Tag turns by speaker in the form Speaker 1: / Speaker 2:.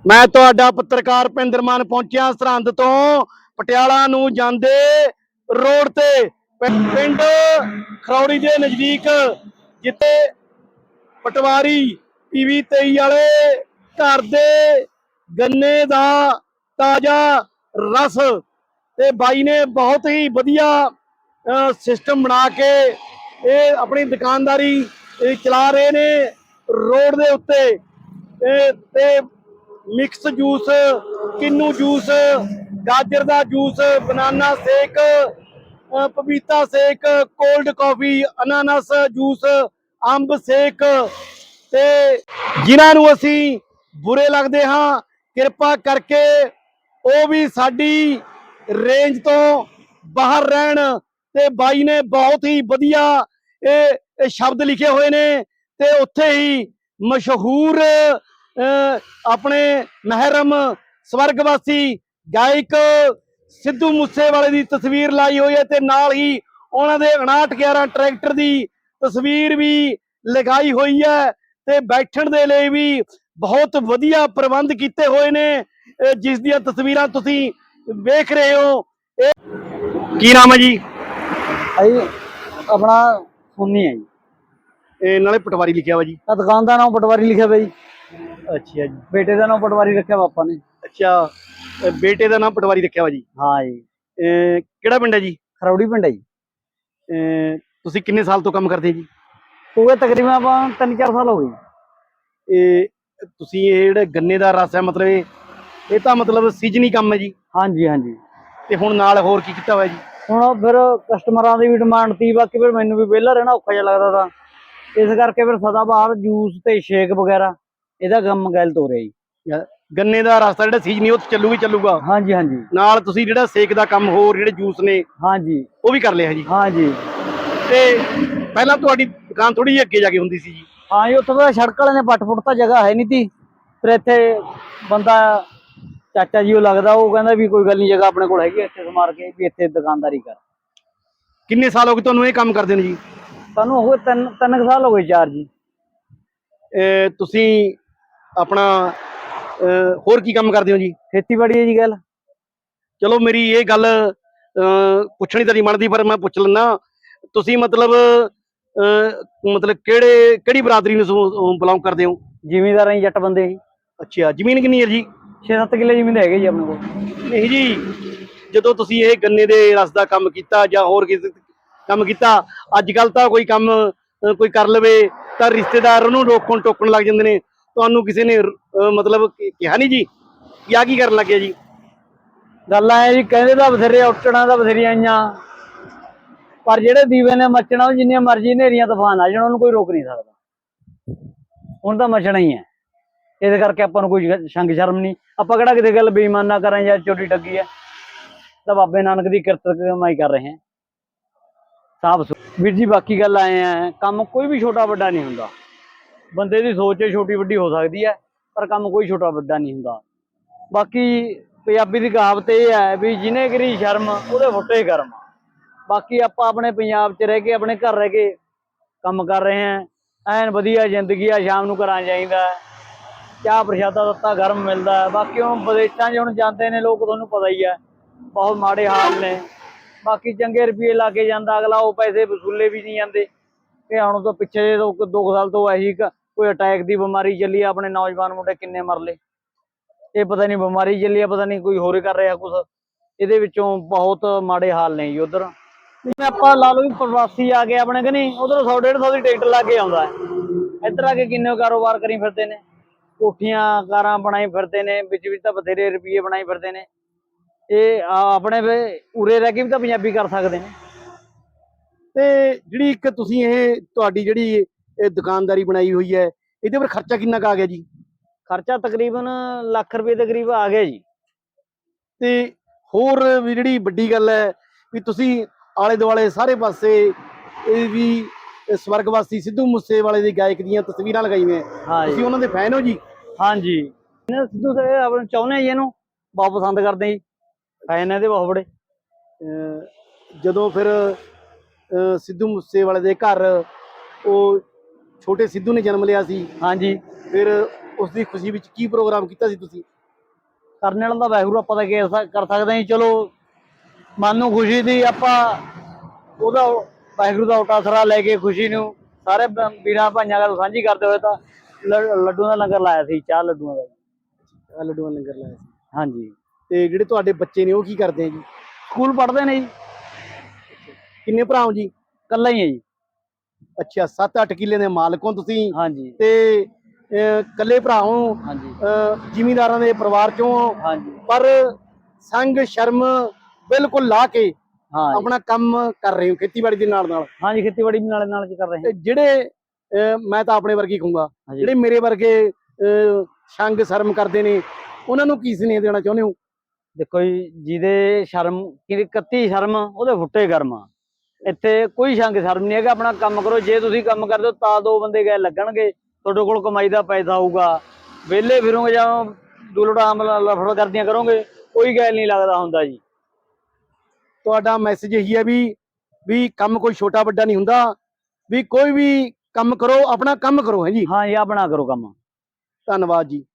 Speaker 1: ਮੈਂ ਤੁਹਾਡਾ ਪੱਤਰਕਾਰ ਭਿੰਦਰ ਮਾਨ ਪਹੁੰਚਿਆ ਸਰਹੰਦ ਤੋਂ ਪਟਿਆਲਾ ਨੂੰ ਜਾਂਦੇ ਰੋਡ ਤੇ ਪਿੰਡ ਖਰੌੜੀ ਦੇ ਨਜ਼ਦੀਕ, ਜਿੱਥੇ ਪਟਵਾਰੀ ਪੀਵੀ 23 ਵਾਲੇ ਘਰ ਦੇ ਗੰਨੇ ਦਾ ਤਾਜ਼ਾ ਰਸ ਤੇ ਬਾਈ ਨੇ ਬਹੁਤ ਹੀ ਵਧੀਆ ਸਿਸਟਮ ਬਣਾ ਕੇ ਇਹ ਆਪਣੀ ਦੁਕਾਨਦਾਰੀ ਚਲਾ ਰਹੇ ਨੇ ਰੋਡ ਦੇ ਉੱਤੇ। ਤੇ ਮਿਕਸ ਜੂਸ, ਕਿੰਨੂ ਜੂਸ, ਗਾਜਰ ਦਾ ਜੂਸ, ਬਨਾਨਾ ਸ਼ੇਕ, ਪਪੀਤਾ ਸ਼ੇਕ, ਕੋਲਡ ਕਾਫੀ, ਅਨਾਨਾਸ ਜੂਸ, ਅੰਬ ਸ਼ੇਕ, ਤੇ ਜਿਨ੍ਹਾਂ ਨੂੰ ਅਸੀਂ ਬੁਰੇ ਲੱਗਦੇ ਹਾਂ ਕਿਰਪਾ ਕਰਕੇ ਉਹ ਵੀ ਸਾਡੀ ਰੇਂਜ ਤੋਂ ਬਾਹਰ ਰਹਿਣ। ਤੇ ਬਾਈ ਨੇ ਬਹੁਤ ਹੀ ਵਧੀਆ ਇਹ ਸ਼ਬਦ ਲਿਖੇ ਹੋਏ ਨੇ ਤੇ ਉੱਥੇ ਹੀ ਮਸ਼ਹੂਰ ਆਪਣੇ ਮਹਿਰਮ ਸਵਰਗਵਾਸੀ ਗਾਇਕ ਸਿੱਧੂ ਮੂਸੇਵਾਲੇ ਦੀ ਤਸਵੀਰ ਲਾਈ ਹੋਈ ਹੈ ਤੇ ਨਾਲ ਹੀ ਉਹਨਾਂ ਦੇ 5911 ਟਰੈਕਟਰ ਦੀ ਤਸਵੀਰ ਵੀ ਲਗਾਈ ਹੋਈ ਹੈ ਤੇ ਬੈਠਣ ਦੇ ਲਈ ਵੀ ਬਹੁਤ ਵਧੀਆ ਪ੍ਰਬੰਧ ਕੀਤੇ ਹੋਏ ਨੇ, ਜਿਸ ਦੀਆਂ ਤਸਵੀਰਾਂ ਤੁਸੀਂ ਵੇਖ ਰਹੇ ਹੋ। ਕੀ ਨਾਮ ਹੈ ਜੀ?
Speaker 2: अपना सोनी है जी।
Speaker 1: ਇਹ ਨਾਲੇ ਪਟਵਾਰੀ ਲਿਖਿਆ ਵਾ ਜੀ?
Speaker 2: दुकान का नाम पटवारी लिखा भाई।
Speaker 1: ਅੱਛਾ ਜੀ।
Speaker 2: बेटे का नाम पटवारी रखा पापा ने।
Speaker 1: ਅੱਛਾ, ਬੇਟੇ ਦਾ ਨਾਮ ਪਟਵਾਰੀ ਰੱਖਿਆ ਵਾ ਜੀ?
Speaker 2: हाँ जी।
Speaker 1: ਕਿਹੜਾ ਪਿੰਡ ਹੈ ਜੀ?
Speaker 2: खरौड़ी पिंड है जी।
Speaker 1: ਤੁਸੀਂ ਕਿੰਨੇ ਸਾਲ ਤੋਂ ਕੰਮ ਕਰਦੇ ਜੀ?
Speaker 2: हो गए तकरीबन आप 3-4 साल हो गए।
Speaker 1: ਇਹ ਤੁਸੀਂ ਇਹ ਜਿਹੜਾ ਗੰਨੇ ਦਾ ਰਸ ਹੈ, ਮਤਲਬ ਇਹ ਤਾਂ ਮਤਲਬ ਸੀਜ਼ਨੀ ਕੰਮ ਹੈ ਜੀ?
Speaker 2: हाँ जी हाँ जी।
Speaker 1: ਤੇ ਹੁਣ ਨਾਲ ਹੋਰ ਕੀ ਕੀਤਾ ਹੋਇਆ ਜੀ?
Speaker 2: ਹੁਣ ਫਿਰ ਕਸਟਮਰਾਂ ਦੀ ਵੀ ਡਿਮਾਂਡ ਤੀ, ਬਾਕੀ ਫਿਰ ਮੈਨੂੰ ਵੀ ਵਿਹਲਾ ਰਹਿਣਾ ਔਖਾ ਜਿਹਾ ਲੱਗਦਾ ਤਾਂ ਇਸ ਕਰਕੇ ਫਿਰ ਸਦਾਬਹਾਰ ਜੂਸ ਤੇ ਸ਼ੇਕ ਵਗੈਰਾ ਇਹਦਾ ਕੰਮ ਗੈਲਤ ਹੋ ਰਿਹਾ ਜੀ।
Speaker 1: ਗੰਨੇ ਦਾ ਰਸ ਜਿਹੜਾ ਸੀਜ਼ਨੀ ਉਹ ਚੱਲੂ ਹੀ ਚੱਲੂਗਾ?
Speaker 2: ਹਾਂਜੀ ਹਾਂਜੀ।
Speaker 1: ਨਾਲ ਤੁਸੀਂ ਜਿਹੜਾ ਸੇਕ ਦਾ ਕੰਮ ਹੋਰ ਜਿਹੜੇ ਜੂਸ ਨੇ
Speaker 2: ਹਾਂਜੀ
Speaker 1: ਉਹ ਵੀ ਕਰ ਲਿਆ ਜੀ?
Speaker 2: ਹਾਂਜੀ।
Speaker 1: ਤੇ ਪਹਿਲਾਂ ਤੁਹਾਡੀ ਦੁਕਾਨ ਥੋੜੀ ਜਿਹੀ ਅੱਗੇ ਜਾ ਕੇ ਹੁੰਦੀ ਸੀ ਜੀ?
Speaker 2: ਹਾਂ ਜੀ, ਉੱਥੇ ਤਾਂ ਸੜਕ ਵਾਲੇ ਨੇ ਪੱਟ ਪੁੱਟ ਤਾਂ ਜਗ੍ਹਾ ਹੈ ਨਹੀਂ ਤੀ, ਫਿਰ ਇੱਥੇ ਬੰਦਾ ਚਾਚਾ ਜੀ ਉਹ ਲੱਗਦਾ, ਉਹ ਕਹਿੰਦਾ ਵੀ ਕੋਈ ਗੱਲ ਨਹੀਂ, ਜਗ੍ਹਾ ਆਪਣੇ ਕੋਲ ਹੈਗੀ, ਇੱਥੇ ਸਮਾਰ ਕੇ ਵੀ ਇੱਥੇ ਦੁਕਾਨਦਾਰੀ ਕਰ।
Speaker 1: ਕਿੰਨੇ ਸਾਲ ਹੋ ਗਏ ਤੁਹਾਨੂੰ ਇਹ ਕੰਮ ਕਰਦੇ ਨੇ ਜੀ?
Speaker 2: ਸਾਨੂੰ ਹੋ ਗਏ ਤਿੰਨ ਸਾਲ ਹੋ ਗਏ, 4 ਜੀ।
Speaker 1: ਤੁਸੀਂ ਆਪਣਾ ਹੋਰ ਕੀ ਕੰਮ ਕਰਦੇ ਹੋ ਜੀ?
Speaker 2: ਖੇਤੀਬਾੜੀ ਹੈ ਜੀ ਗੱਲ।
Speaker 1: ਚਲੋ ਮੇਰੀ ਇਹ ਗੱਲ ਪੁੱਛਣੀ ਤਾਂ ਨਹੀਂ ਬਣਦੀ, ਪਰ ਮੈਂ ਪੁੱਛ ਲੈਂਦਾ। ਤੁਸੀਂ ਮਤਲਬ ਕਿਹੜੀ ਬਰਾਦਰੀ ਨੂੰ ਬਿਲੋਂਗ ਕਰਦੇ ਹੋ?
Speaker 2: ਜ਼ਿਮੀਂਦਾਰ ਹੈ, ਜੱਟ ਬੰਦੇ ਜੀ।
Speaker 1: ਅੱਛਾ, ਜ਼ਮੀਨ ਕਿੰਨੀ ਹੈ ਜੀ?
Speaker 2: 6-7 ਕਿੱਲੇ ਜ਼ਮੀਨ ਹੈਗੇ ਜੀ ਆਪਣੇ ਕੋਲ।
Speaker 1: ਨਹੀਂ ਜੀ, ਜਦੋਂ ਤੁਸੀਂ ਇਹ ਗੰਨੇ ਦੇ ਰਸ ਦਾ ਕੰਮ ਕੀਤਾ ਜਾਂ ਹੋਰ ਕਿਸੇ ਕੰਮ ਕੀਤਾ, ਅੱਜ ਕੱਲ ਤਾਂ ਕੋਈ ਕੰਮ ਕੋਈ ਕਰ ਲਵੇ ਤਾਂ ਰਿਸ਼ਤੇਦਾਰ ਉਹਨੂੰ ਰੋਕਣ ਟੋਕਣ ਲੱਗ ਜਾਂਦੇ ਨੇ। ਤੁਹਾਨੂੰ ਕਿਸੇ ਨੇ ਮਤਲਬ ਕਿਹਾ ਨਹੀਂ ਜੀ ਕਿ ਆ ਕੀ ਕਰਨ ਲੱਗਿਆ ਜੀ?
Speaker 2: ਗੱਲ ਆਏ ਜੀ, ਕਹਿੰਦੇ ਤਾਂ ਬਥੇਰੇ, ਉੱਟਣਾ ਤਾਂ ਬਥੇਰੀਆਂ ਆਈਆਂ, ਪਰ ਜਿਹੜੇ ਦੀਵੇ ਨੇ ਮੱਚਣਾ ਉਹ ਜਿੰਨੀਆਂ ਮਰਜ਼ੀ ਹਨੇਰੀਆਂ ਤੂਫਾਨ ਆ ਜਾਣ ਉਹਨੂੰ ਕੋਈ ਰੋਕ ਨਹੀਂ ਸਕਦਾ। ਹੁਣ ਤਾਂ ਮੱਚਣਾ ਹੀ ਹੈ, ਇਹਦੇ ਕਰਕੇ ਆਪਾਂ ਨੂੰ ਕੋਈ ਸ਼ੰਗ ਸ਼ਰਮ ਨਹੀਂ। ਆਪਾਂ ਕਿਹੜਾ ਕਿਤੇ ਗੱਲ ਬੇਈਮਾਨਾ ਕਰਾਂ ਜਾਂ ਚੋਰੀ ਠੱਗੀ ਹੈ, ਤਾਂ ਬਾਬੇ ਨਾਨਕ ਦੀ ਕਿਰਤ ਕਮਾਈ ਕਰ ਰਹੇ ਹਾਂ ਸਾਫ ਵੀਰ ਜੀ। ਬਾਕੀ ਗੱਲ ਆਏ ਆ, ਕੰਮ ਕੋਈ ਵੀ ਛੋਟਾ ਵੱਡਾ ਨਹੀਂ ਹੁੰਦਾ। ਬੰਦੇ ਦੀ ਸੋਚ ਛੋਟੀ ਵੱਡੀ ਹੋ ਸਕਦੀ ਹੈ, ਪਰ ਕੰਮ ਕੋਈ ਛੋਟਾ ਵੱਡਾ ਨਹੀਂ ਹੁੰਦਾ। ਬਾਕੀ ਪੰਜਾਬੀ ਦੀ ਕਹਾਵਤ ਇਹ ਹੈ ਵੀ ਜਿਹਨੇ ਕਰੀ ਸ਼ਰਮ ਉਹਦੇ ਫੁੱਟੇ ਕਰਮ। ਬਾਕੀ ਆਪਾਂ ਆਪਣੇ ਪੰਜਾਬ 'ਚ ਰਹਿ ਕੇ, ਆਪਣੇ ਘਰ ਰਹਿ ਕੇ ਕੰਮ ਕਰ ਰਹੇ ਹਾਂ, ਐਨ ਵਧੀਆ ਜ਼ਿੰਦਗੀ ਆ। ਸ਼ਾਮ ਨੂੰ ਘਰਾਂ ਜਾਈਦਾ, ਚਾਹ ਪ੍ਰਸ਼ਾਦਾ ਦਿੱਤਾ ਗਰਮ ਮਿਲਦਾ। ਬਾਕੀ ਹੁਣ ਵਿਦੇਸ਼ਾਂ 'ਚ ਹੁਣ ਜਾਂਦੇ ਨੇ ਲੋਕ, ਤੁਹਾਨੂੰ ਪਤਾ ਹੀ ਹੈ, ਬਹੁਤ ਮਾੜੇ ਹਾਲ ਨੇ। ਬਾਕੀ ਚੰਗੇ ਰੁਪਏ ਲਾ ਕੇ ਜਾਂਦਾ ਅਗਲਾ, ਉਹ ਪੈਸੇ ਵਸੂਲੇ ਵੀ ਨਹੀਂ ਜਾਂਦੇ। ਇਹ ਹੁਣ ਤੋਂ ਪਿੱਛੇ 2 ਸਾਲ ਤੋਂ ਇਹੀ ਕੋਈ ਅਟੈਕ ਦੀ ਬਿਮਾਰੀ ਚੱਲੀ, ਆਪਣੇ ਨੌਜਵਾਨ ਮੁੰਡੇ ਕਿੰਨੇ ਮਰ ਲਏ। ਇਹ ਪਤਾ ਨਹੀਂ ਬਿਮਾਰੀ ਚੱਲੀ ਆ, ਪਤਾ ਨਹੀਂ ਕੋਈ ਹੋਰ ਕਰ ਰਿਹਾ ਕੁਛ। ਇਹਦੇ ਵਿੱਚੋਂ ਬਹੁਤ ਮਾੜੇ ਹਾਲ ਨੇ ਜੀ। ਉਧਰ ਜਿਵੇਂ ਆਪਾਂ ਲਾ ਲਓ ਵੀ ਪ੍ਰਵਾਸੀ ਆ ਗਏ ਆਪਣੇ ਕਿ ਨਹੀਂ, ਉਧਰੋਂ 100-150 ਦੀ ਟਿਕਟ ਲਾ ਕੇ ਆਉਂਦਾ, ਇੱਧਰ ਆ ਕੇ ਕਿੰਨੇ ਕਾਰੋਬਾਰ ਕਰੀ ਫਿਰਦੇ ਨੇ, ਕੋਠੀਆਂ ਕਾਰਾਂ ਬਣਾਈ ਫਿਰਦੇ ਨੇ, ਵਿੱਚ ਤਾਂ ਬਥੇਰੇ ਰੁਪਏ ਬਣਾਈ ਫਿਰਦੇ ਨੇ। ਇਹ ਆਪਣੇ ਉਰੇ ਰਹਿ ਕੇ ਵੀ ਤਾਂ ਪੰਜਾਬੀ ਕਰ ਸਕਦੇ ਨੇ।
Speaker 1: ਤੇ ਜਿਹੜੀ ਇੱਕ ਤੁਸੀਂ ਇਹ ਤੁਹਾਡੀ ਜਿਹੜੀ ਇਹ ਦੁਕਾਨਦਾਰੀ ਬਣਾਈ ਹੋਈ ਹੈ, ਇਹਦੇ ਪਰ ਖਰਚਾ ਕਿੰਨਾ ਕੁ ਆ ਗਿਆ ਜੀ?
Speaker 2: ਖਰਚਾ ਤਕਰੀਬਨ ਲੱਖ ਰੁਪਏ ਦੇ ਕਰੀਬ ਆ ਗਿਆ ਜੀ।
Speaker 1: ਤੇ ਹੋਰ ਵੀ ਜਿਹੜੀ ਵੱਡੀ ਗੱਲ ਹੈ ਵੀ ਤੁਸੀਂ ਆਲੇ ਦੁਆਲੇ ਸਾਰੇ ਪਾਸੇ ਇਹ ਵੀ ਸਵਰਗਵਾਸੀ ਸਿੱਧੂ ਮੂਸੇਵਾਲੇ ਦੀ ਗਾਇਕ ਦੀਆਂ ਤਸਵੀਰਾਂ ਲਗਾਈਆਂ। ਤੁਸੀਂ ਉਹਨਾਂ ਦੇ ਫੈਨ ਹੋ ਜੀ?
Speaker 2: ਹਾਂਜੀ, ਸਿੱਧੂ ਤੇ ਆਪਣੇ ਚਾਹੁੰਦੇ ਆ ਜੀ, ਇਹਨੂੰ ਬਹੁਤ ਪਸੰਦ ਕਰਦੇ ਜੀ, ਫੈਨ ਇਹਦੇ ਬਹੁਤ ਬੜੇ।
Speaker 1: ਜਦੋਂ ਫਿਰ ਸਿੱਧੂ ਮੂਸੇਵਾਲੇ ਦੇ ਘਰ ਉਹ ਛੋਟੇ ਸਿੱਧੂ ਨੇ ਜਨਮ ਲਿਆ ਸੀ,
Speaker 2: ਹਾਂਜੀ,
Speaker 1: ਫਿਰ ਉਸ ਦੀ ਖੁਸ਼ੀ ਵਿੱਚ ਕੀ ਪ੍ਰੋਗਰਾਮ ਕੀਤਾ ਸੀ ਤੁਸੀਂ?
Speaker 2: ਕਰਨੇ ਵਾਲਾ ਤਾਂ ਵਾਹਿਗੁਰੂ, ਆਪਾਂ ਤਾਂ ਕੀ ਕਰ ਸਕਦੇ ਹਾਂ ਜੀ। ਚਲੋ ਮਨ ਨੂੰ ਖੁਸ਼ੀ ਦੀ ਆਪਾਂ ਉਹਦਾ ਵਾਹਿਗੁਰੂ ਦਾ ਉਟਾਸਰਾ ਲੈ ਕੇ ਖੁਸ਼ੀ ਨੂੰ ਸਾਰੇ ਵੀਰਾਂ ਭਾਈਆਂ ਨਾਲ ਸਾਂਝੀ ਕਰਦੇ ਹੋਏ ਤਾਂ ਲੱਡੂਆਂ ਦਾ ਲੰਗਰ ਲਾਇਆ ਸੀ, ਚਾਹ ਲੱਡੂਆਂ ਦਾ।
Speaker 1: ਆਹ ਲੱਡੂਆਂ ਦਾ ਲੰਗਰ ਲਾਇਆ ਸੀ।
Speaker 2: ਹਾਂਜੀ।
Speaker 1: ਤੇ ਜਿਹੜੇ ਤੁਹਾਡੇ ਬੱਚੇ ਨੇ ਉਹ ਕੀ ਕਰਦੇ ਆ ਜੀ?
Speaker 2: ਸਕੂਲ ਪੜ੍ਹਦੇ ਨੇ ਜੀ।
Speaker 1: ਕਿੰਨੇ ਭਰਾ ਹੋ ਜੀ?
Speaker 2: ਇਕੱਲਾ ਹੀ ਹੈ ਜੀ।
Speaker 1: ਅੱਛਾ, 7-8 ਕਿੱਲੇ ਦੇ ਮਾਲਕ ਹੋ ਤੁਸੀਂ
Speaker 2: ਹਾਂਜੀ
Speaker 1: ਤੇ ਇਕੱਲੇ ਭਰਾ ਹੋ,
Speaker 2: ਹਾਂਜੀ
Speaker 1: ਜ਼ਿਮੀਂਦਾਰਾਂ ਦੇ ਪਰਿਵਾਰ ਚੋਂ ਹੋ,
Speaker 2: ਹਾਂਜੀ
Speaker 1: ਪਰ ਸੰਗ ਸ਼ਰਮ ਬਿਲਕੁਲ ਲਾ ਕੇ
Speaker 2: ਹਾਂ ਜੀ।
Speaker 1: ਆਪਣਾ ਕੰਮ ਕਰ ਰਹੇ ਹੋ ਖੇਤੀਬਾੜੀ ਦੇ ਨਾਲ ਨਾਲ।
Speaker 2: ਹਾਂਜੀ, ਖੇਤੀਬਾੜੀ ਵੀ ਨਾਲੇ ਨਾਲ ਕਰ ਰਹੇ
Speaker 1: ਤੇ ਜਿਹੜੇ ਮੈਂ ਤਾਂ ਆਪਣੇ ਵਰਗੀ ਕਹੂੰਗਾ,
Speaker 2: ਹਾਂ।
Speaker 1: ਜਿਹੜੇ ਮੇਰੇ ਵਰਗੇ ਸੰਗ ਸ਼ਰਮ ਕਰਦੇ ਨੇ, ਉਹਨਾਂ ਨੂੰ ਕੀ ਸੁਨੇਹਾ ਦੇਣਾ ਚਾਹੁੰਦੇ ਹੋ?
Speaker 2: ਦੇਖੋ ਜੀ, ਜਿਹਦੇ ਸ਼ਰਮ ਕਿਹਦੀ ਕੱਤੀ ਸ਼ਰਮ ਉਹਦੇ ਫੁੱਟੇ ਕਰਮ ਆ। ਇੱਥੇ ਕੋਈ ਸ਼ੰਕ ਸ਼ਰਮ ਨਹੀਂ ਹੈਗਾ, ਆਪਣਾ ਕੰਮ ਕਰੋ। ਜੇ ਤੁਸੀਂ ਕੰਮ ਕਰਦੇ ਹੋ ਤਾਂ ਦੋ ਬੰਦੇ ਗਏ ਲੱਗਣਗੇ, ਤੁਹਾਡੇ ਕੋਲ ਕਮਾਈ ਦਾ ਪੈਸਾ ਆਊਗਾ। ਵਿਹਲੇ ਫਿਰੋਗੇ ਜਾਂ ਦੁਲੜਾਮ ਲਫੜ ਕਰਦੀਆਂ ਕਰੋਗੇ, ਕੋਈ ਗੱਲ ਨਹੀਂ ਲੱਗਦਾ ਹੁੰਦਾ ਜੀ।
Speaker 1: ਤੁਹਾਡਾ ਮੈਸੇਜ ਇਹੀ ਹੈ ਵੀ ਕੰਮ ਕੋਈ ਛੋਟਾ ਵੱਡਾ ਨਹੀਂ ਹੁੰਦਾ, ਵੀ ਕੋਈ ਵੀ ਕੰਮ ਕਰੋ, ਆਪਣਾ ਕੰਮ ਕਰੋ। ਹੈ ਜੀ।
Speaker 2: ਹਾਂ ਜੀ, ਆਪਣਾ ਕਰੋ ਕੰਮ।
Speaker 1: ਧੰਨਵਾਦ ਜੀ।